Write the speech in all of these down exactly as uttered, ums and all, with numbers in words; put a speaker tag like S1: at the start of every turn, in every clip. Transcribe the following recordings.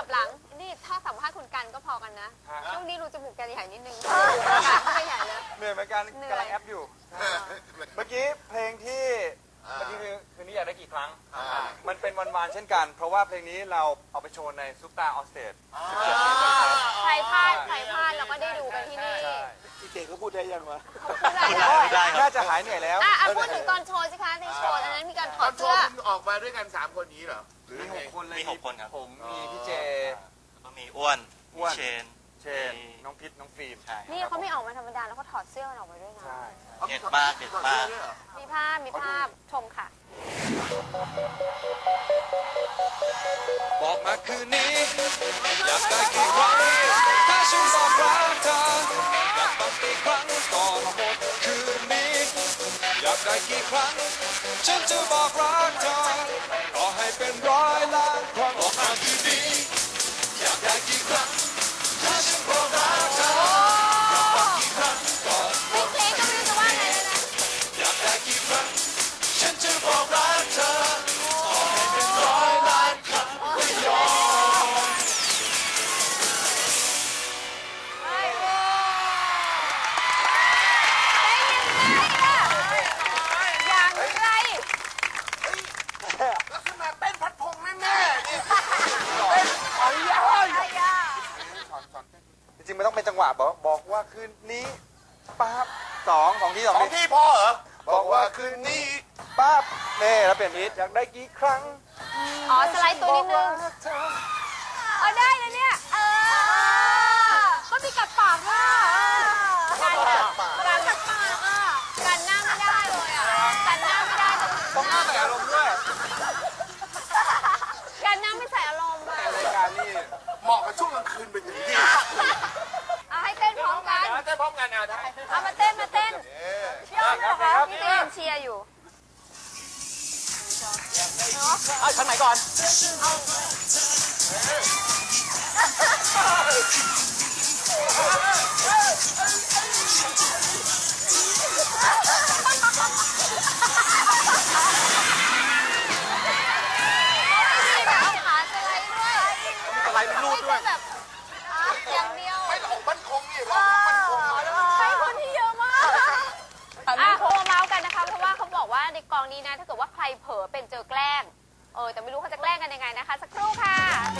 S1: หลังนี่ถ้าสัมภาษณ์คุณกันก็พอกันนะช่วงนี้รูจมูกแกใหญ่นิดนึงไม่ใหญ่เลย
S2: เหนื่อยเหมือนกันกำลังแอปอยู่เมื่อกี้เพลงที่เมื่อกี้คือคืนนี้อยากได้กี่ครั้งมันเป็นวันวานเช่นกันเพราะว่าเพลงนี้เราเอาไปโชว์ในซุปตาออสเตด
S1: ใครพลาดใครพลาดเราก็ได้ดูกันที่นี่
S2: พี่เก่งก็พูดได้ยังวะ
S1: พูดได้แล้ว
S2: น่าจะหายเหนื่อยแล้ว
S1: อ่ะพูดถึงตอนโชว์สิคะในโชว์อันนั้นมีการถอดเสื้อ
S3: ออกมาด้วยกันสามคนนี้เหรอ
S2: มีหกคนเลย
S4: มีหกคนครับ
S2: ผมมีพี่เจ
S4: ก็มีอ้วนมีเชน
S2: เชนน้องพิษน้องฟิล์ม
S1: นี่เขาไม่ออกมาธรรมดาแล้วเขาถอดเสื้อออกมาด้วยนะ
S4: เด็ดมากเด็ดมาก
S1: มีภาพมีภาพชมค่ะ
S5: บอกมาคืนนี้อยากได้กี่ครั้งถ้าฉันบอกรักเธออยากฟังกี่ครั้งก่อนหมดคืนนี้อยากได้กี่ครั้งฉันจะบอกรักเธอต่อให้เป็นร้อยล้านครั้งบอกมาคืนนี้อยากได้กี่ครั้งถ้าฉันบอกรักเธออยากฟังกี่ครั้งก่อนหมดคืนนี้อยากได้กี่ครั้งฉันจะบอกรักเธอต่อให้เป็นร้อยล้านครั้งไม่ยอม
S1: อย่างไร
S3: ลักษณะเต้นพัดพงแน่ๆนี่เต้นขอยย่อย
S2: จริงๆมันต้องเป็นจังหวะบอกบอกว่าคืนนี้ปั๊บสองสองที่สอง
S3: สองที่พอเหรอบอกว่าคืนนี้
S2: ปั๊บเน่แล้วเปลี่ยนพีทอยากได้กี่ครั้ง
S1: อ๋อสไลด์ตัวนิดนึงเออได้นะเนี่ยเออก็มีกัดปากอ่ะการกัดปากการกัดปากอ่ะการหน้าไม่ได้เลยอ่ะการหน้าไม่ได้
S2: ต้องหน้าใส่อารมณ์ด้วย
S1: การหน้าไม่ใส่อารมณ์อ่ะ
S2: รายการนี่
S3: เหมาะกับช่วงกลางคืนเป็นอย่างดี
S1: เอาให้เต้นพร้อมกัน
S3: เต้นพร้อมกันเอาได้
S1: เอามาเต้นมาเต้นเชียร์เหรอคะพี่เต้นเชียร์อยู่
S2: เอาชั้นไหนก่อนสไลด์เป็นรูดด้วย
S1: แบบอย่างเดียว
S3: ไม่หลอกมั่นคงนี่หลอกมั่นคง
S1: ใช้คนที่เยอะมากอ่ะโทรเมาส์กันนะคะเพราะว่าเขาบอกว่าในกองนี้นะถ้าเกิดว่าใครเผลอเป็นเจอแกล้งเออแต่ไม่รู้เขาจะแกล้งกันยังไงนะคะสักครู่ค่ะ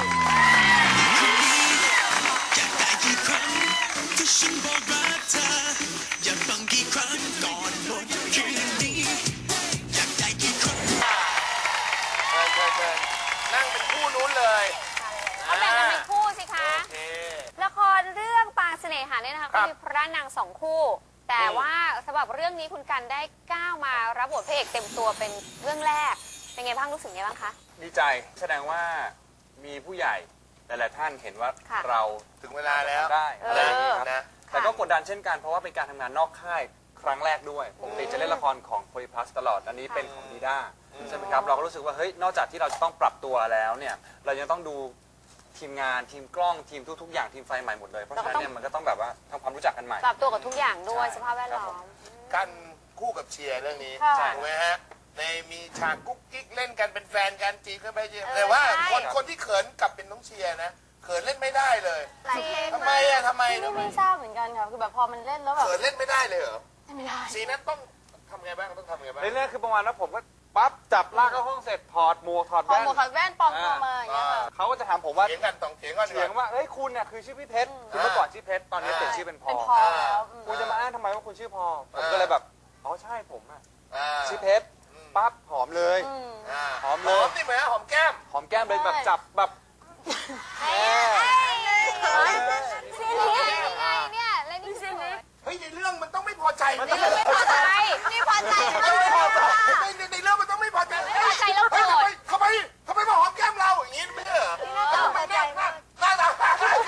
S5: อยากได้กี่ครั้งที่ฉันบอกรักเธออยากฟังกี่ครั้งก่อนหมดคืนนี้อยากได้กี่ครั้ง
S3: เชิญเชิญเชิญนั่งเป็นคู่นู้นเลย
S1: เขาแบ่งกันเป็นคู่สิคะละครเรื่องปางเสน่หาเนี่ยนะคะก็มีพระนางสองคู่แต่ว่าสำหรับเรื่องนี้คุณกันได้ก้าวมารับบทพระเอกเต็มตัวเป็นเรื่องแรกเป็นไงบ้างรู้สึกไงบ้างคะ
S2: ดีใจแสดงว่ามีผู้ใหญ่หลายๆท่านเห็นว่าเรา
S3: ถึงเวลาแล้ว
S2: ได้อะไรอย่างนี้ครับแต่ก็กดดันเช่นกันเพราะว่าเป็นการทำงานนอกค่ายครั้งแรกด้วยปกติจะเล่นละครของโพลีพลัสตลอดอันนี้เป็นของดีด้าใช่ไหมครับเราก็รู้สึกว่าเฮ้ยนอกจากที่เราจะต้องปรับตัวแล้วเนี่ยเรายังต้องดูทีมงานทีมกล้องทีมทุกๆอย่างทีมไฟใหม่หมดเลยเพราะฉะนั้นเนี่ยมันก็ต้องแบบว่าทำความรู้จักกันใหม่
S1: ปรับตัวกับทุกอย่างด้วยสภาพแวดล้อม
S3: กันคู่กับเชียร์เรื่องนี้ถูกไหมฮะในมีฉากกุ๊กกิ๊กเล่นกันเป็นแฟนกันจีบกันไปแต่ว่าคนคนที่เขินกลับเป็นน้องเชียร์นะเขินเล่นไม่ได้เลยทำไมอะทำไม
S1: นี่ไม่ทราบเหมือนกันค่ะคือแบบพอมันเล่นแล้วแบบ
S3: เขินเล่นไม่ได้เลยเหรอ
S1: ไม่ได้
S3: สีนั้นต้องทำไงบ้างต้องทำไงบ้าง
S2: เรื่องคือประมาณว่าผมก็ปั๊บจับลากเข้าห้องเสร็จถอดหมวกถอดแว่น
S1: ถอดหมวกถอดแว่นปลอมตัวมาอย่างเงี้ย
S2: เขาก็จะถามผมว่า
S3: เถียงกันต้องเถียงกัน
S2: เถียงว่าเอ้ยคุณเนี่ยคือชื่อพี่เพชรคือเมื่อก่อนชื่อเพชรตอนนี้เปลี่ยนชื่อเป็นพอคุณจะมาอ้างทำไมว่าคุณชื่อพอผมก็เลยแบบอ๋อใช่ผมอะชื่อเพชรปั๊บหอมเลยหอมเลย
S3: หอมนี่ไหมหอมแก้ม
S2: หอมแก้มเลยแบบจับแบบ
S1: เฮ้ยซีนี้ยังไงเนี่ยแล้วนี่ซีนี้
S3: เฮ้ยในเรื่องมันต้องไม่พอใจ
S1: มันต้องไม่พอใจนี่พอใจ
S3: ไม่พอใจในในเรื่องมันต้องไม่พอใจ
S1: ไม่พอใจแล้วโกรธ
S3: ทำไมทำไมมาหอมแก้มเราอย่างนี้ไม่ใช่เหรอ
S1: ทำไมกัน
S3: น่ารัก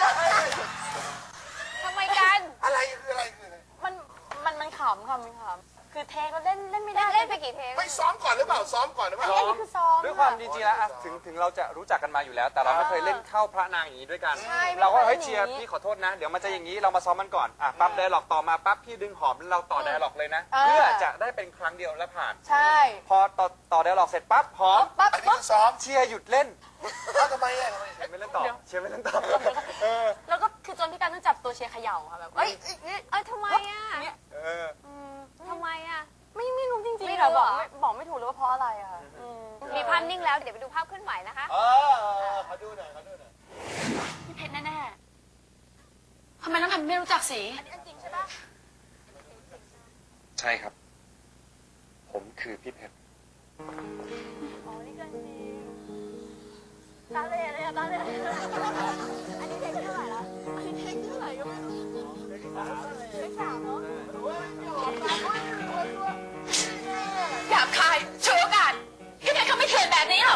S1: ทำไมกัน
S3: อะไรคืออะไรคือ
S6: มันมันมันขำค่ะมันขำคือเทคเราเล่นเล่นไม่ได้
S1: เล่นไปกี่เทค
S3: ไม่ซ้อมก่อนหรือเปล่าซ้อมก่อนหรือเปล่า
S1: อันนี้คือซ้อม
S2: ด้วยความจริงๆแล้วอะถึงถึงเราจะรู้จักกันมาอยู่แล้ว แต่เราไม่เคยเล่นเข้าพระนางอย่างนี้ด้วยกัน
S1: ใช่ไม่
S2: เราก็
S1: เคย
S2: เฮ้ย
S1: เล่น
S2: เชียร์
S1: อย่างนี้
S2: พี่ขอโทษนะ เดี๋ยวมันจะอย่างนี้เรามาซ้อมมันก่อนอ่ะปั๊บไดร์ล็อกต่อมาปั๊บพี่ดึงหอมแล้วเราต่อไดร์ล็อกเลยนะ เพื่อจะได้เป็นครั้งเดียวแล้วผ่าน
S6: ใช่
S2: พอต่อต่อไดร์ล็อกเสร็จปั๊บหอม
S6: ปั๊บ
S3: อันนี้
S6: ปั๊บ
S3: คือซ้อม
S2: เชียร์หยุดเล่น
S3: เอ้าทำไมอ่ะทำไม
S2: เชียร์ไม่เล่นต่อเชียร์ไม่เล่นต่อเออ
S6: แล้วก็คือจนพี่การต้องจับตัวเชียร์เขย่าค่ะแบบเอ้ยเอ้ยเอ้ย
S1: เอ้ยทำไมอ่ะ
S6: เนี่ย
S2: เออ
S1: ทำไมอ่ะ
S6: ไม่ไม่รู้จริง
S1: ไม่
S6: ๆ
S1: รู้
S6: ค่ะบอก
S1: เหรอ
S6: ไม่บอกไม่ถูกเลยว่าเพราะอะไรอะค่ะอืม
S1: มีภาพนิ่งแล้วเดี๋ยวไปดูภาพเคลื่อนไหวนะคะ
S3: เออขอดูหน่อยขอดูหน่อย
S6: พี่เพชรแน่ๆทำไมต้องทำไม่รู้จักสี
S2: ใช่ครับ ผมคือพี่เพชร
S6: ตาเล่เลยอะตาเล่อันนี้เพลงเท่าไหร่ละอันนี้เพลงเท่าไหร่ก็ไม่รู้เพลงสามเนาะหยาบคายโชว์โอกาสพี่เพชรเขาไม่เถื่อนแบบนี้หรอก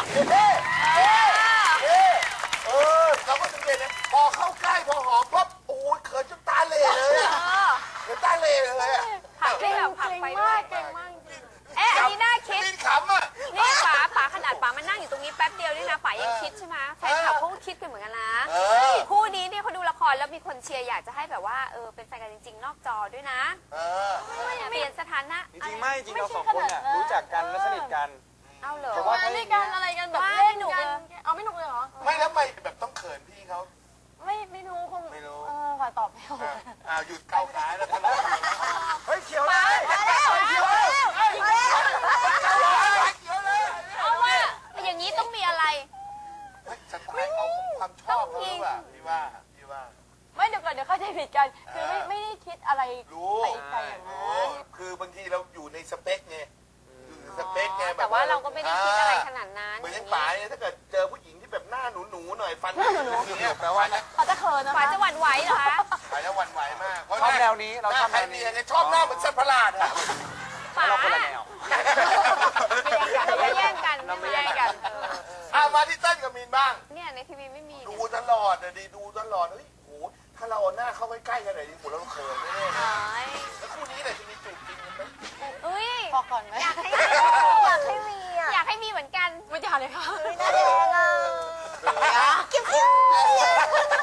S3: เออเราก็สังเกตนะพอเข้าใกล้พอหอมปั๊บโอ้ยเขินจนตาเหล่เลยอะเขินตาเหล่เลยอะ
S1: ผักไปแบบผักไปด้วย
S6: เก่งมากจริง
S1: เอ๊ะอันนี้น่าคิด
S3: ลิ้นขำอ่ะ
S1: นี่ป๋าป๋าขนาดป๋ามันนั่งอยู่ตรงนี้แป๊บเดียวนี่นะป๋ายังคิดใช่ไหมแฟนคลับเขาก็คิดกันเหมือนกันนะ
S3: เออ
S1: คู่นี้เนี่ยเขาดูละครแล้วมีคนเชียร์อยากจะให้แบบว่าเออเป็นแฟนกันจริง ๆ นอกจอด้วยนะ
S3: เออ
S1: เปลี่ยนสถานะ
S2: จริงๆไม่จริงเราสองคนเนี่ยรู้จักกันและสนิทกัน
S1: เอาเหรอ
S2: แต่
S6: ว่า
S2: ว่า
S6: ด้วยกันอะไรกันแบบ
S1: ว่า
S6: เล่น
S1: ไม่หนุก
S6: กัน
S1: เลย
S6: เอาไม่หนุกเลยเหรอ
S3: ไม่แล้วทำไมแบบต้องเขินพี่เขา
S6: ไม่ไม่รู้คง
S3: ไม่รู้
S6: เออค่ะตอบไม่ถูก
S3: อ่ะอ่าหยุดเข้าขาแล้วทะเลาะกัน
S2: เฮ้ยเขียวเลย
S3: เขียวเลยเขียวเลย
S1: เอาว่าอย่างนี้ต้องมีอะไร
S3: เฮ้ยสไตล์เขาความชอบเขาหรือเปล่าพี่ว่าพี่ว่า
S6: ไม่เดี๋ยวก่อนเดี๋ยวเข้าใจผิดกัน คือไม่
S3: อ่า
S6: ไม่ได้คิดอะไร
S3: รู้
S6: ไปไกลอย่างนั้น
S3: รู้คือบางทีเราอยู่ในสเปคไงอยู่ในสเปคไงแบบ
S1: แต่ว่าเราก็ไม่ได้คิดอะไรขนาดนั้น
S3: เหมือนอยังป๋าเนี่ยถ้าเกิดเจอผู้หญิงที่แบบหน้าหนูหนูๆหน่อยฟันหนูๆเนี่ย
S2: แปลว่า
S6: เขาจะเขินนะ
S1: ป๋า
S6: คะ
S1: จะหวั่นไหวเหรอคะ
S3: ป๋าจะหวั่นไหวมากเพราะ
S2: ชอบแนวนี้เรา
S3: หน้า
S2: ชอบ
S3: ใคร
S2: แนว
S3: เนี
S2: นี้
S3: ยนชอบหน้าเหมือนสัตว์ประหลาดอะ
S1: ป๋า
S2: เราคนละแนว
S1: เราไม่แย่งกัน
S2: เราไม่
S1: ไม่
S2: แย่
S1: แย่
S2: ง
S1: ง
S2: กั
S1: กัน นเออ
S3: อ่ะมาที่เต้นกับมีนบ้าง
S1: เนี่ยในทีวีไม่มี
S3: ดู
S1: เนี่ย
S3: ตลอดนะดีดูตลอดเฮ้ยโหถ้าเราเอาหน้าเข้าใกล้ๆกันหน่อยดิโหเราเขินแน่ๆนะ
S1: เอ้ย
S3: แล้วคู่นี้เนี่ยจะมีจูบจริงกันไหม
S1: อุ้ย
S6: พอก่อนไหม
S1: อยากให้มีอยากให้มีอ่ะอยากให้มีเหมือนกัน
S6: ไม่ได้เลยค่ะ
S1: น่าแดงอ่ะกิ๊บกิ๊บ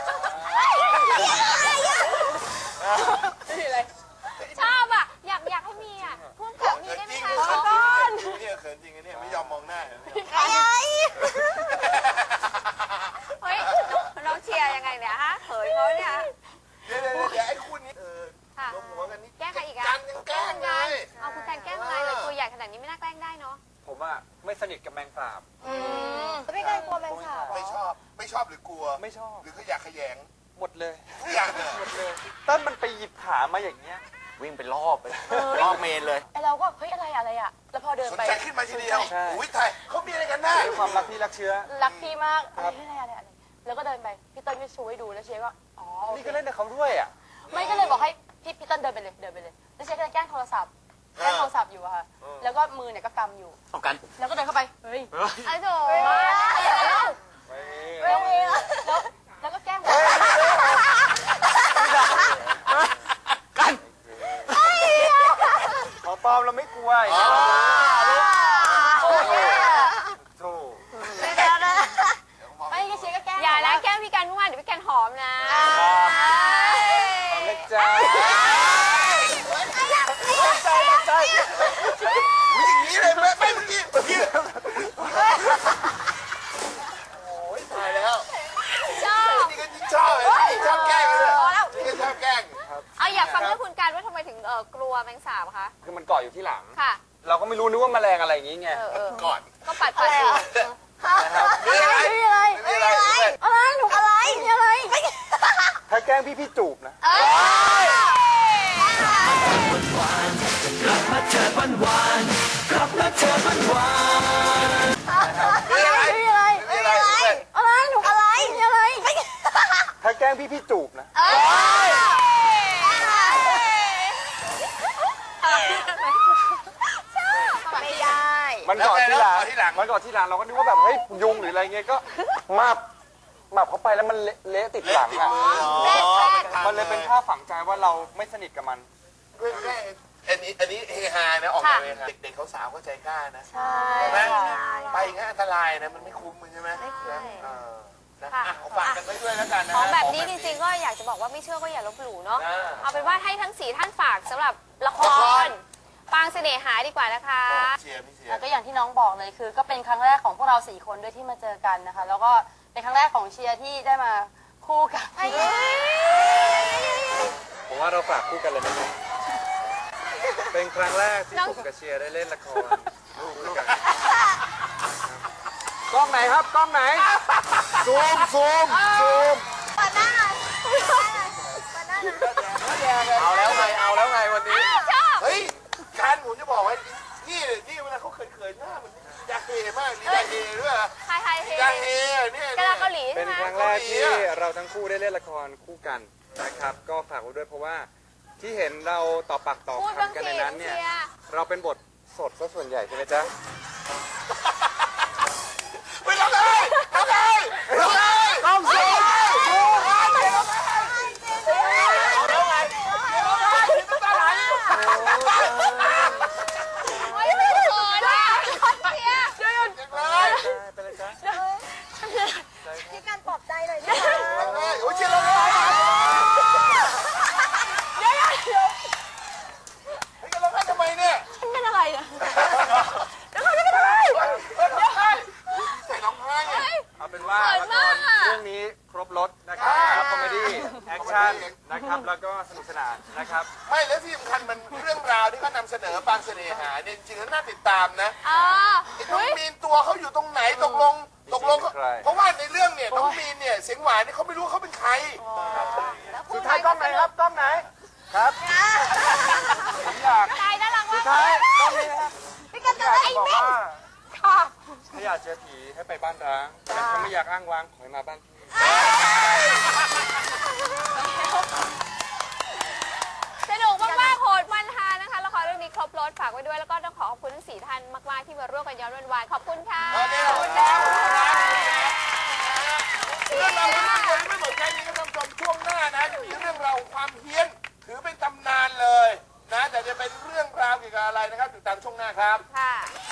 S1: ชอบอ่ะอยากอยากให้มีอ่ะพูดกับมี
S3: เขิน
S1: ได้ไหม
S3: จริง
S1: คะ
S3: เขิ
S1: ขอน ก่อน
S3: จริงเนี่ยเขินจริงเนี่ยไม่ยอมมองหน้า
S1: เฮ้ยน้องเชียร์ยังไงเนี่ยฮะเขินเขาเนี่ย
S3: เดี๋ยวเดี๋ยวเดี๋ยวไอ้คู่นี้เออ
S1: ค่ะ
S3: ลงหัวกันนี่
S1: แกล้งใครอีกอะ
S3: กันยังแกล้งไง
S1: เอาคุณการแกล้งอะไรเลยตัวใหญ่ขนาดนี้ไม่น่าแกล้งได้เนาะ
S2: ผมอะไม่สนิทกับแมงสาบ
S6: ไม่กล้ากลัวแมงสาบ
S3: ไม่ชอบไม่ชอบหรือกลัว
S2: ไม่ชอบ
S3: หรือเขาอยากขยง
S2: หมดเลย
S3: ทุกอย่างเลย
S2: หมดเลยเต้นมันไปหยิบขามาอย่างเงี้ย วิ่งไปรอบไปรอบเมนเลย
S6: ไอเราก็เฮ้ยอะไรอะไรอ่ะ แล้วพอเดิน
S3: สน
S6: ไป
S3: ใจขึ้นมาทีเดียว
S2: ใช่
S3: อุ้ยไทยเขามีอะไรกันแน่
S2: ด้วยความรักที่รักเชื้อ
S6: รักพี่มากอะไรอะไรอะไรอะไรแล้วก็เดินไปพี่เติ้ลก็ชูให้ดูแล้วเชียร์ก็อ๋อโอ
S2: นี่
S6: เค
S2: ก็เล่นกับเขาด้วยอ่ะ
S6: ไม่ก็เลยบอกให้พี่พี่เติ้ลเดินไปเลยเดินไปเลยแล้วเชียร์ก็เลยแกล้งโทรศัพท์แกล้งโทรศัพท์อยู่อะค่ะแล้วก็มือเนี่ยก็กำอยู่
S4: เอากัน
S6: แล้วก็เดินเข้าไปเฮ้ย
S1: ไอ้โถ
S6: แล้วแล้วแล้วก็แกล้งบอก
S4: กัน
S2: ของปลอมเราไม่กลัวอย่างเงี้ยโธ่
S6: ไม่ก็เชียร์ก็แกล้ง
S1: อย่านะแกล้งพี่การเมื่อวานเดี๋ยวพี่การหอมนะ
S2: เอาเล็กจ้าใจใจ
S3: อุ้ยอย่างนี้เลยไม่ไม่เมื่อกี้เมื่อกี้โอ้ยตายแล้ว
S1: ชอบ
S3: นี่ก็ยิ่งชอบเลยนี่ชอบแกล้งเลยนี่ก็ชอบแกล้ง
S1: เอาอยากฟังเรื่องคุณการว่าทำไมถึงเออกลัวแมงสาบคะ
S2: คือมันเกาะอยู่ที่หลัง
S1: ค่ะ
S2: เราก็ไม่รู้นึกว่าแมลงอะไรอย่างงี้ไง
S1: เออเออ
S3: ก่อน
S1: ก็ปัดปัดอยู่
S3: มีอะไร
S6: ไม่มีอะไร
S3: มีอะไร
S6: อะไรหนูอะไรมีอะไร
S2: ถ้าแกล้งพี่พี่จูบนะ
S1: เอ้ย
S3: มีอะไร
S6: ไม่มีอะไร
S3: มีอะไร
S6: อะไรหนูอะไรมีอะไร
S2: ถ้าแกล้งพี่พี่จูบนะ
S1: เอ้ย
S6: ไม่ได้
S2: มันเกาะที่หลัง
S3: แล้วไงแล้วเกาะที่หลัง
S2: มันเกาะที่หลังเราก็นึกว่าแบบเฮ้ยยุงหรืออะไรเงี้ยก็มาบมาบเข้าไปแล้วมันเละเละติดหลังอ่ะ
S1: แรกแรก
S2: มันเลยเป็นภาพฝังใจว่าเราไม่สนิทกับมัน
S3: แกล้งแกล้งอันนี้อันนี้เฮฮานะออกมาเลยครับเด็กๆเขาสาวก็ใจกล้านะ
S6: ใช่
S3: ใช่ไหม
S6: ค่ะ
S3: ไปอย่างนั้นอันตรายนะมันไม่คุ้มมันใช่ไหม
S6: ไม่คุ้ม
S3: เออนะ
S1: ค่ะ
S3: อ่ะเอาฝากกันไว้ด้วยแล้วกันนะ
S1: ของแบบ
S3: ของ
S1: นี้จริงๆก็อยากจะบอกว่าไม่เชื่อก็อย่าลบหลู่เนาะ
S3: อ่า
S1: เอาเป็นว่าให้ทั้งสี่ท่านฝากสำหรับละค
S3: ละค
S1: ร
S3: ร
S1: ปางเสน่หาดีกว่านะคะ
S3: เชียร์พี่เชีย
S7: แล้ว
S3: ร์
S7: ก็อย่างที่น้องบอกเลยคือ ก็เป็นครั้งแรกของพวกเราสี่คนด้วยที่มาเจอกันนะคะ แล้วก็เป็นครั้งแรกของเชียร์ที่ได้มาคู่กับ
S2: ผมว่าเราฝากคู่กันเลยไหมครับเป็นครั้งแรกที่ผมกับเชียร์ได้เล่นละครคู่กันกล้องไหนครับกล้องไหน
S3: ซูมซูมซูม
S6: เปิดหน้าหน่อยเปิดหน้าหน่อยเปิดหน้าหน่อย
S2: เอาแล้วไงเอาแล้วไงวันนี้
S3: เฮ้ยการผมจะบอกไว้นี่นี่เวลาเขาเขินๆหน้ามันอยากเฮมากนี่อยากเฮด้วยเหรอ
S1: ไฮไฮเฮ
S3: อยากเฮเนี่ย
S1: กาลาเกาหลี
S2: เป็
S1: ใช่
S2: น
S1: ไหม
S2: ครั้งแรกที่เราทั้งคู่ได้เล่นละครคู่กันนะครับ ก็ฝากไว้ด้วยเพราะว่าที่เห็นเราต่อปากต่อ
S1: พูดบ้าง
S2: คำกัน
S1: สิ
S2: ในนั้นเนี่ย
S1: เชียร์
S2: เราเป็นบทสดซะส่วนใหญ่ใช่ไหมจ๊ะ
S3: ไม่ต้องเลยต้องเลยต้องเลยต้องซูมซูมเอาแล้วไงเอาแล้วไงน้ำตาไหล
S1: โอ้ยไม่เขินอ่ะเชียร์
S3: เลย
S2: ไปเลยจ๊ะ
S6: พี่การปลอบใจหน่อยนะคะ
S3: เลยโอ้ยเชียร์เราเลยเฮ้ยเราให้ทำไมเนี่ย
S6: ฉันเป็นอะไรอ่ะ
S3: ใส่ร้องไห้ไง
S2: เอาเป็นว่าละครเรื่องนี้ครบรถนะครับคอมเมดี้แอคชั่นนะครับแล้วก็สนุกสนานนะครับ
S3: ไม่แล้วที่สำคัญมันเรื่องราวที่เขานำเสนอปางเสน่หาเนี่ยจริงๆแล้วน่าติดตามนะ
S1: อ๋อ
S3: ไอ้น้องมีนตัวเขาอยู่ตรงไหนตกลงตกลงเขา
S2: ใคร
S3: เพราะว่าในเรื่องเนี่ยน้องมีนเนี่ยเสียงหวานเนี่ยเขาไม่รู้เขาเป็นใคร
S1: สุดท้ายกล้องไหนครับกล้องไหน
S2: ครับผมอยาก
S1: ใจน่ารักมาก
S2: ท้ายต้องนี้นะครับ
S6: พี่การ
S2: อ
S6: จะ
S2: ยาก
S6: ไอ้
S2: จะบอก
S6: เม็ด
S2: ว่าถ้าอยากเจอผีให้ไปบ้านร้างแต่ถ้าไม่อยากอ้างว้างขอให้มาบ้านพี่
S1: สนุกมากๆโหดมันฮานะคะละครเรื่องนี้ครบรถฝากไว้ด้วยแล้วก็ต้องขอขอบคุณทั้งสี่ท่านมากๆที่มาร่วมกันย้อนวันวานขอบคุณค่ะ
S3: โอเคขอบคุณครับเรื่องราวของคนไม่หมดแค่นี้ก็ต้องชมช่วงหน้านะจะมีเรื่องราวความเฮี้ยนถือเป็นตำนานเลยนะแต่จะเป็นเรื่องราวเกี่ยวกับอะไรนะครับติดตามช่วงหน้าครับ
S1: ค่ะ